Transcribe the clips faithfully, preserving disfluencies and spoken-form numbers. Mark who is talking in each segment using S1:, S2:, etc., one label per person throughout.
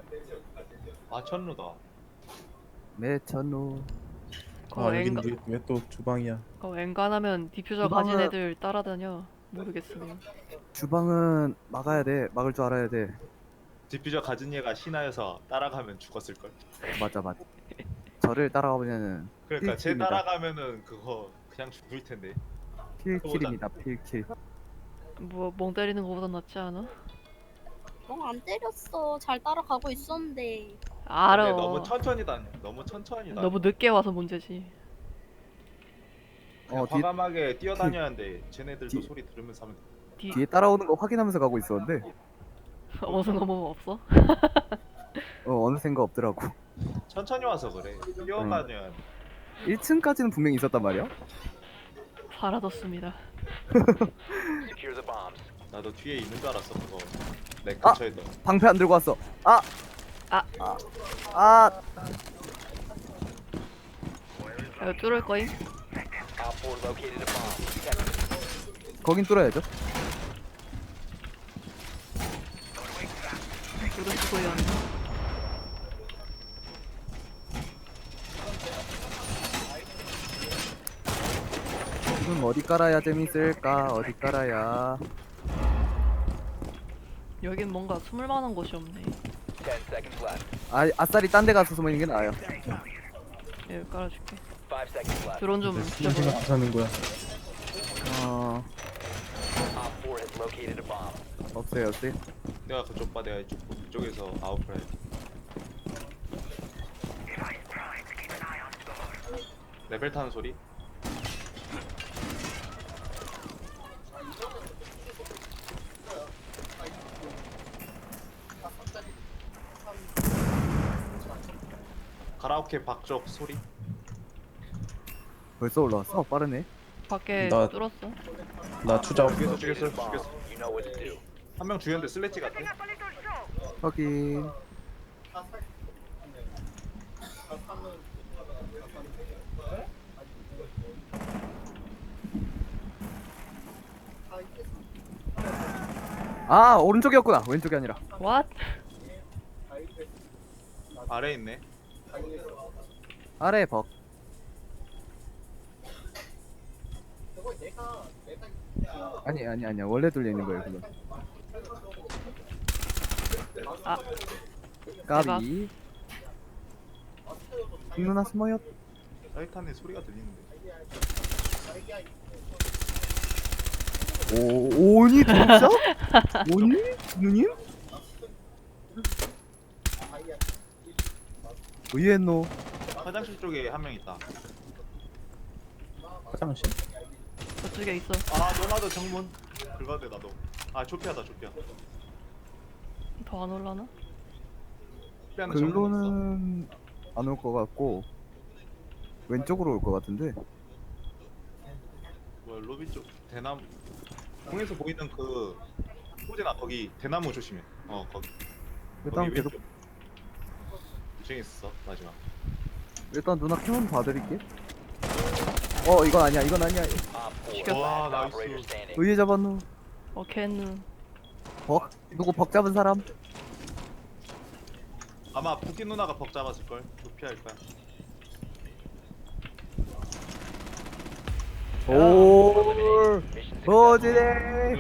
S1: 아 천루다.
S2: 매천루.
S3: 아 여긴
S4: 엔가,
S3: 왜 또 주방이야?
S4: 어, 엔간하면 디퓨저
S2: 주방은-
S4: 가진 애들 따라다녀. 모르겠으니.
S2: 주방은 막아야 돼. 막을 줄 알아야 돼.
S1: 디퓨저 가진 얘가 신하여서 따라가면 죽었을걸.
S2: 맞아 맞아. 저를 따라가보면은
S1: 그러니까 쟤
S2: 필킬입니다.
S1: 따라가면은 그거 그냥 죽을 텐데.
S2: 필킬입니다. 필킬.
S4: 뭐 멍 때리는 거보다 낫지 않아?
S5: 멍 안 때렸어. 잘 따라가고 있었는데.
S4: 알아.
S1: 근데 너무 천천히 다녀. 너무 천천히 다녀.
S4: 너무 늦게 와서 문제지.
S1: 그냥
S2: 어, 뒤-
S1: 과감하게 뛰어다녀야 하는데 쟤네들도
S2: 뒤-
S1: 소리 들으면서 하면 돼.
S4: 뒤
S2: 뒤에 따라오는 거 확인하면서 가고 있었는데
S4: 어느 넘어 없어?
S2: 어 어느샌가 없더라고.
S1: 천천히 와서 그래. 뛰어다녀야 돼.
S2: 일 층까지는 분명히 있었단 말이야.
S4: 사라졌습니다.
S1: 나도 뒤에 있는 줄 알았어 그거. 내
S2: 아!
S1: 근처에 너.
S2: 방패 안 들고 왔어. 아!
S4: 아.
S2: 아! 아!
S4: 이거 뚫을 거임?
S2: 거긴 뚫어야죠.
S4: 뚫을 거야.
S2: 지금 어디 깔아야 재밌을까? 어디 깔아야?
S4: 여긴 뭔가 숨을 만한 곳이 없네.
S2: 아, 아싸리 딴 데 가서 숨어 있는 게 나아요.
S4: 여기 깔아줄게. 드론 좀
S3: 무슨
S4: 붙여봐.
S3: 생각 하는 거야?
S2: 어... 없어요, 없어요.
S1: 내가 그쪽 봐 내가 이쪽 이쪽에서 아웃플 해. 레벨 타는 소리? 가라오케 박적 소리?
S2: 벌써 올라왔어? 빠르네.
S4: 밖에
S3: 나-
S4: 뚫었어.
S3: 나 투자.
S1: 죽였어 죽였어 죽였어. 한 명 죽였는데 슬래지 같아?
S2: 확인. 아, 오른쪽이었구나. 왼쪽이 아니라.
S4: What?
S1: 아래에 있네.
S2: 아래 벅. 아니 아니 아니야. 원래 돌려 있는 거예요, 그건.
S4: 아,
S2: 까비. 누나 숨어요.
S1: 타이탄의 소리가 들리는데.
S2: 오, 오니 드롭샷? 오니? 누님? 의외노.
S1: 화장실 쪽에 한 명 있다.
S3: 화장실?
S4: 저쪽에 있어.
S1: 아 너나도 정문. 긁어야 돼 나도. 아 조피하다 조피하.
S4: 더 안 올라나?
S1: 조피하는 정문 있어.
S2: 글로는 안 올 것 같고 왼쪽으로 올 것 같은데.
S1: 뭐 로비 쪽 대나무. 공에서 보이는 그 호재나 거기 대나무 조심해. 어 거기.
S2: 일단
S1: 거기
S2: 계속
S1: 왼쪽. 이층에 있었어 마지막.
S2: 일단 누나 캐논 봐드릴게. 어 이건 아니야 이건 아니야.
S1: 와 나이스.
S2: 의외 잡았노.
S4: 어, 캔은
S2: 벅 누구 벅 잡은 사람?
S1: 아마 부키 누나가 벅 잡았을 걸. 조피할 거야.
S2: 오 버지네.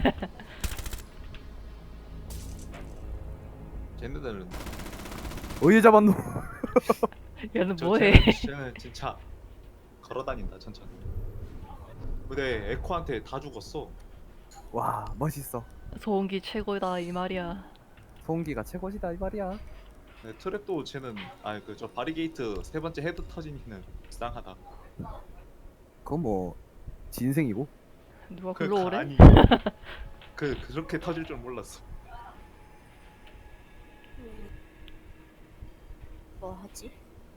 S1: 쟤네들은
S2: 의외 잡았노.
S4: 얘는
S1: 저-
S4: 뭐해?
S1: 쟤는, 쟤는 진짜 걸어다닌다 천천히. 근데 에코한테 다 죽었어.
S2: 와 멋있어.
S4: 소음기 최고다 이 말이야.
S2: 소음기가 최고시다 이 말이야.
S1: 네, 트랩도 쟤는 아니 그 저 바리게이트 세 번째 헤드 터진 희는 불쌍하다.
S2: 그건 뭐 진생이고.
S4: 누가
S1: 그
S4: 글로 오래?
S1: 아니 그 그렇게 터질 줄 몰랐어.
S5: 뭐 하지?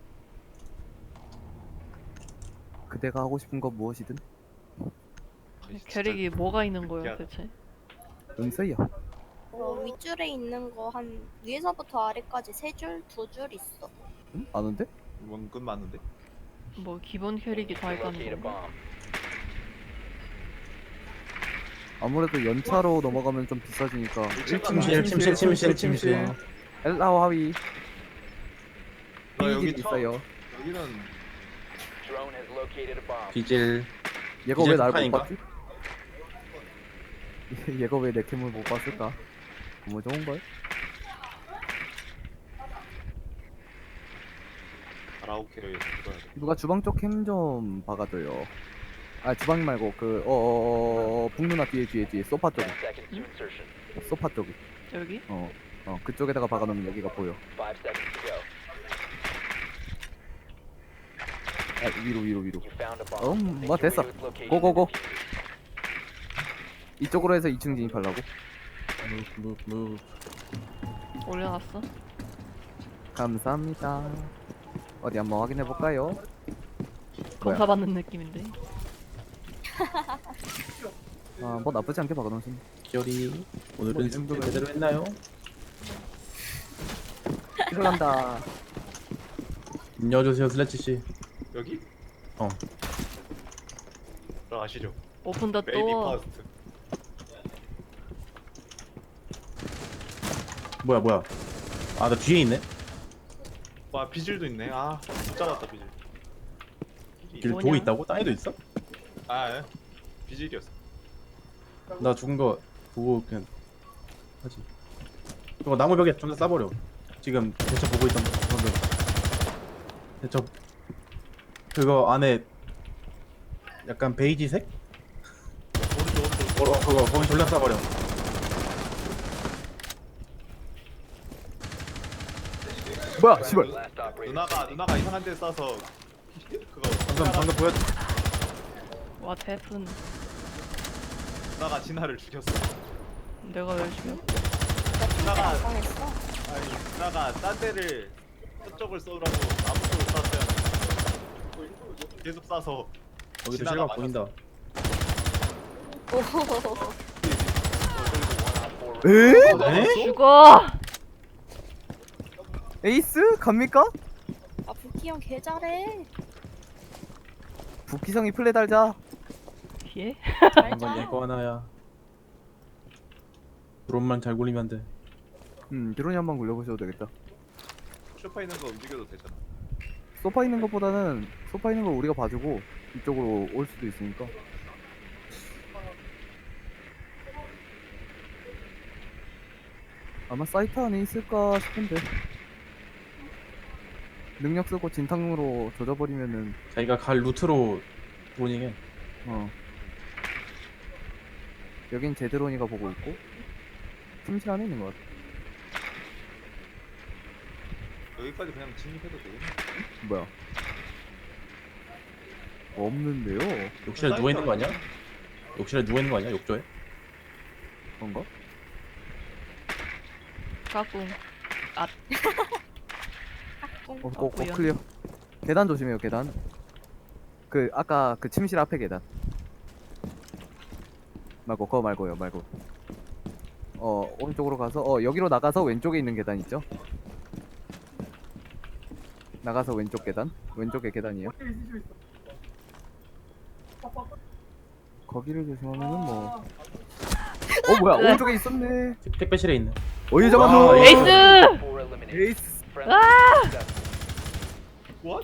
S2: 그대가 하고 싶은 건 무엇이든
S1: 아이, 진짜
S4: 캐릭이 뭐가 있는 거야
S1: 신기하다.
S4: 대체?
S2: 은서야.
S5: 어, 윗줄에 있는 거 한 위에서부터 아래까지 세 줄, 두 줄 있어.
S2: 응? 아는데?
S1: 원근 많은데.
S4: 뭐 기본 캐릭이 다 있다는 거.
S2: 아무래도 연차로 넘어가면 좀 비싸지니까
S1: 일층
S3: 침실, 침실, 침실, 침실.
S2: 엘라오 하위
S1: 나 여기
S2: 삐질
S1: 처음
S2: 있어요.
S1: 여기는
S3: 비질.
S2: 얘가
S3: 이제
S2: 왜 날 못
S3: 북한인가?
S2: 봤지? 얘가 왜 내 캠을 못 봤을까? 너무 좋은걸?
S1: 가라오케를 들어야 돼.
S2: 누가 주방 쪽 캠 좀 박아줘요. 아 주방 말고 그 어어어 북누나 뒤에 뒤에 뒤에 소파 쪽에 소파 쪽에
S4: 여기?
S2: 어 어 그쪽에다가 박아놓으면 여기가 보여. 아 위로 위로 위로. 음, 뭐 됐어. 고고고. 이쪽으로 해서 이 층 진입하려고.
S3: 무브 무브.
S4: 올려놨어.
S2: 감사합니다. 어디 한번 확인해 볼까요?
S4: 검사받는 느낌인데.
S2: 아 뭐 나쁘지 않게 박아놓으신.
S3: 기어리.
S2: 뭐
S3: 오늘은
S2: 이 정도면-
S3: 제대로 했나요?
S2: 들어간다.
S3: 인여주세요 슬래치 씨.
S1: 여기?
S3: 어.
S1: 들어가시죠.
S4: 오픈 더
S1: 베이비
S4: 도어.
S1: 퍼스트.
S3: 뭐야 뭐야. 아 나 뒤에 있네.
S1: 와 비질도 있네. 아, 못 잡았다 비질.
S3: 길
S4: 뭐냐?
S3: 보고 있다고? 땅에도 있어?
S1: 아, 예. 비질이었어.
S3: 나 죽은 거 보고 그냥 하지. 그거 나무 벽에 좀 더 싸버려. 지금 대처 보고 있던 방금. 대처 그거 안에 약간 베이지색?
S1: 오른쪽 오른쪽.
S3: 어, 그거 거기 돌려 싸버려.
S2: 뭐야 씨발.
S1: 누나가 누나가 이상한 데 싸서 그거
S3: 방금 방금 보였.
S4: 와 태풍.
S1: 누나가 진아를 죽였어.
S4: 내가 왜 죽여?
S1: 누나가
S5: 당했어.
S1: 아니 누나가 딴 데를 저쪽을 쏘라고 아무 쪽을 쐈어요. 계속 쏴서
S3: 거기도
S1: 지나가
S3: 실각
S1: 맞았어.
S3: 보인다.
S5: 오.
S2: 에?
S3: 네?
S4: 죽어!
S2: 에이스 갑니까?
S5: 아 부키 형 개 잘해.
S2: 부키성이 플레 달자.
S4: 예?
S5: 잘
S3: 한건
S5: 짜.
S3: 얘거 하나야. 드론만 잘 굴리면 돼.
S2: 음 드론이 한번 굴려보셔도 되겠다.
S1: 쇼파 있는 거 움직여도 되잖아.
S2: 소파 있는 것보다는 소파 있는 걸 우리가 봐주고 이쪽으로 올 수도 있으니까. 아마 사이트 안에 있을까 싶은데 능력 쓰고 진탕으로 조져버리면은
S3: 자기가 갈 루트로 드로닝해.
S2: 어 여긴 제드로니가 보고 있고 침실 안에 있는 것 같아.
S1: 여기까지 그냥 진입해도 되겠네.
S2: 뭐야 없는데요?
S3: 욕실에 누워 있는 거 아니야? 욕실에 누워 있는 거 아니야? 욕조에?
S2: 그런가?
S4: 까꿍.
S2: 어,
S5: 꽁.
S2: 어, 어
S4: 보여.
S2: 클리어. 계단 조심해요 계단. 그 아까 그 침실 앞에 계단. 말고 그거 말고요 말고. 어 오른쪽으로 가서 어 여기로 나가서 왼쪽에 있는 계단 있죠? 나가서 왼쪽 계단? 왼쪽에 계단이에요. 거기를 조심하면은 뭐. 어 뭐야 오른쪽에 있었네.
S3: 택- 택배실에 있네.
S2: 어이 잡았노.
S3: 와,
S4: 에이스!
S2: 에이스.
S1: What?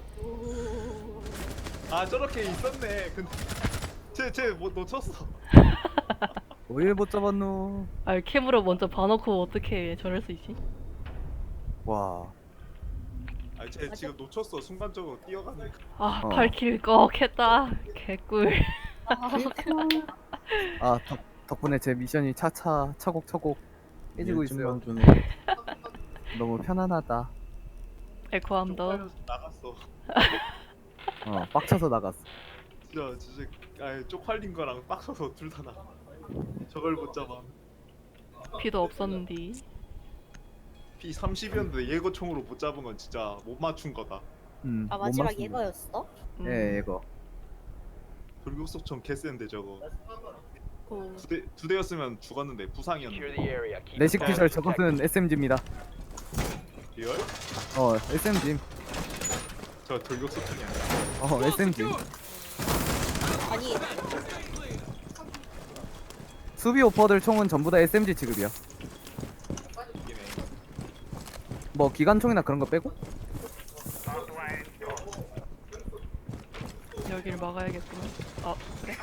S1: 아 저렇게 있었네. 근데 쟤쟤뭐 놓쳤어.
S2: 어이 못 잡았노.
S4: 아 캠으로 먼저 봐놓고 어떻게 저럴 수 있지?
S2: 와.
S1: 아쟤 지금 놓쳤어. 순간적으로 뛰어가는.
S4: 아
S2: 어.
S4: 팔킬 꺽 했다. 개꿀.
S2: 아 덕, 덕분에 제 미션이 차차 차곡차곡 깨지고 있어요.
S3: 일주일만 주네.
S2: 너무 편안하다.
S4: 에코함 더.
S1: 나갔어.
S2: 어 빡쳐서 나갔어.
S1: 진짜 진짜 아 쪽팔린 거랑 빡쳐서 둘 다 나. 저걸 못 잡아.
S4: 피도 없었는디.
S1: 피 삼십이었는데 예거총으로 못 잡은 건 진짜 못 맞춘 거다.
S2: 음.
S5: 아
S2: 못
S5: 마지막
S2: 맞춘 거.
S5: 얘거였어?
S4: 음.
S2: 예 이거.
S1: 돌격속총 개센데 저거.
S5: 오.
S1: 두 대 두 대였으면 죽었는데 부상이었는데.
S2: 내식 피셜 저것은 에스엠지입니다.
S1: 리얼?
S2: 어 에스엠지.
S1: 저 돌격속총이 아니야.
S2: 어 에스엠지.
S5: 아니
S2: 수비 오퍼들 총은 전부 다 에스엠지 취급이야.
S1: 이기네.
S2: 뭐 기관총이나 그런 거 빼고?
S4: 여기를 막아야겠구나. 어 그래?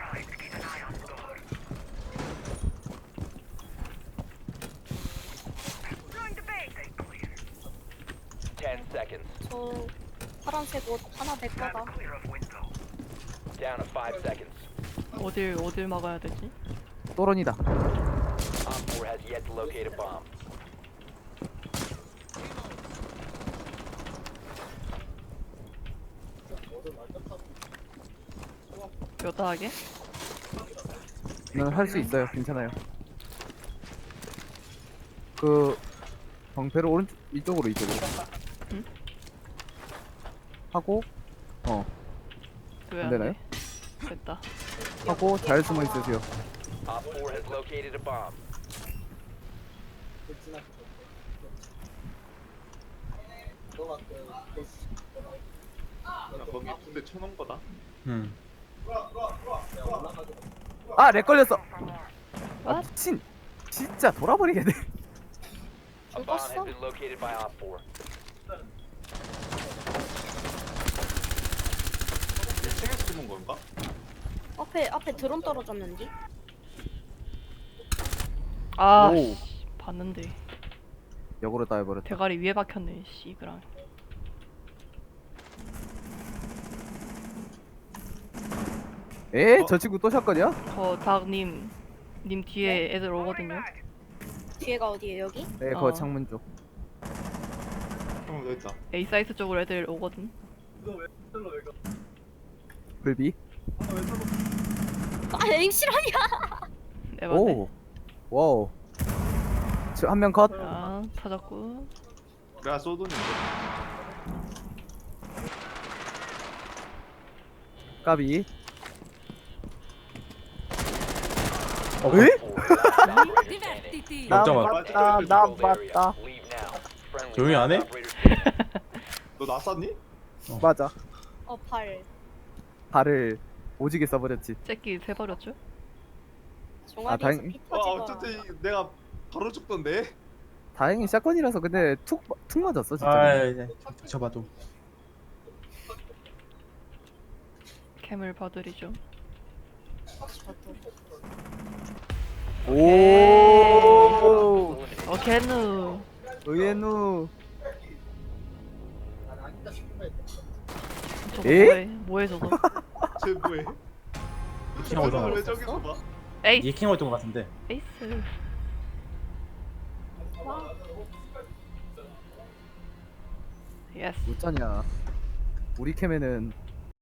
S6: ten seconds.
S5: 저 파란색 옷 하나 내 거다.
S6: Down to five seconds.
S4: 어딜 어딜 막아야 되지?
S2: 또론이다.
S6: Op four has yet to locate a bomb.
S4: 묘다하게?
S2: 는 할 수 있어요. 괜찮아요. 그 방패를 오른쪽 이쪽으로 이쪽으로
S4: 응?
S2: 하고 어
S4: 왜
S2: 안
S4: 안
S2: 되나요?
S4: 돼? 됐다.
S2: 하고 잘 숨어 있으세요.
S6: Op four has located a bomb.
S1: 나 거기 군대 쳐놓은 거다.
S3: 음.
S2: 아, 렉 걸렸어. 아,
S4: What?
S2: 미친. 진짜 돌아버리겠네.
S6: A bomb has
S5: 죽었어?
S6: been located by Op four.
S1: 일 층에서 숨은 건가?
S5: 앞에 앞에 드론 떨어졌는데.
S4: 아
S2: 오.
S4: 씨, 봤는데
S2: 역으로 다 해버렸다.
S4: 대가리 위에 박혔네. 씨그랑.
S2: 에?
S1: 어?
S2: 저 친구 또 샷건이야?
S4: 저 닭님 님 뒤에 애들 오거든요.
S5: 뒤에가 어디에 여기?
S2: 네, 그거
S4: 어.
S2: 창문 쪽.
S1: 형 여기 있다.
S4: A 사이트 쪽으로 애들 오거든.
S2: 불비.
S5: 아 에임 실화냐?
S4: 네 맞네.
S2: 오. 와우. 한 명 컷.
S4: 아 찾았고.
S1: 내가 쏘더니
S2: 까비.
S3: 어,
S2: 에?
S6: Four, last operator standing.
S2: 나
S3: 역자만.
S2: 맞다. 나 맞다.
S6: Leave now. Friendly
S3: 조용히 안 해?
S6: operator standing.
S1: 너나 쐈니?
S2: 맞아.
S5: 어 팔.
S2: 발을 오지게 써버렸지.
S4: 새끼 세버렸죠?
S5: 종아리에서
S2: 다행-
S5: 피
S1: 와
S5: 터지고.
S1: 어쨌든 내가 바로 죽던데.
S2: 다행히 샷건이라서 근데 툭, 툭 맞았어 진짜.
S3: 아, 이제 저봐도.
S4: 캠을 봐드리죠.
S2: 오.
S6: Eliminated.
S4: 어 겐누.
S2: 의외누.
S4: 저거
S2: 에?
S4: 뭐해? 뭐해 저거?
S1: 쟤 뭐해?
S3: 예킹 하고
S1: 왜
S3: 있던 거.
S1: 저기서 봐?
S4: 에이스.
S3: 예킹 하고 있던 거 같은데.
S4: 에이스. 예스.
S2: 어쩌냐. 우리 캠에는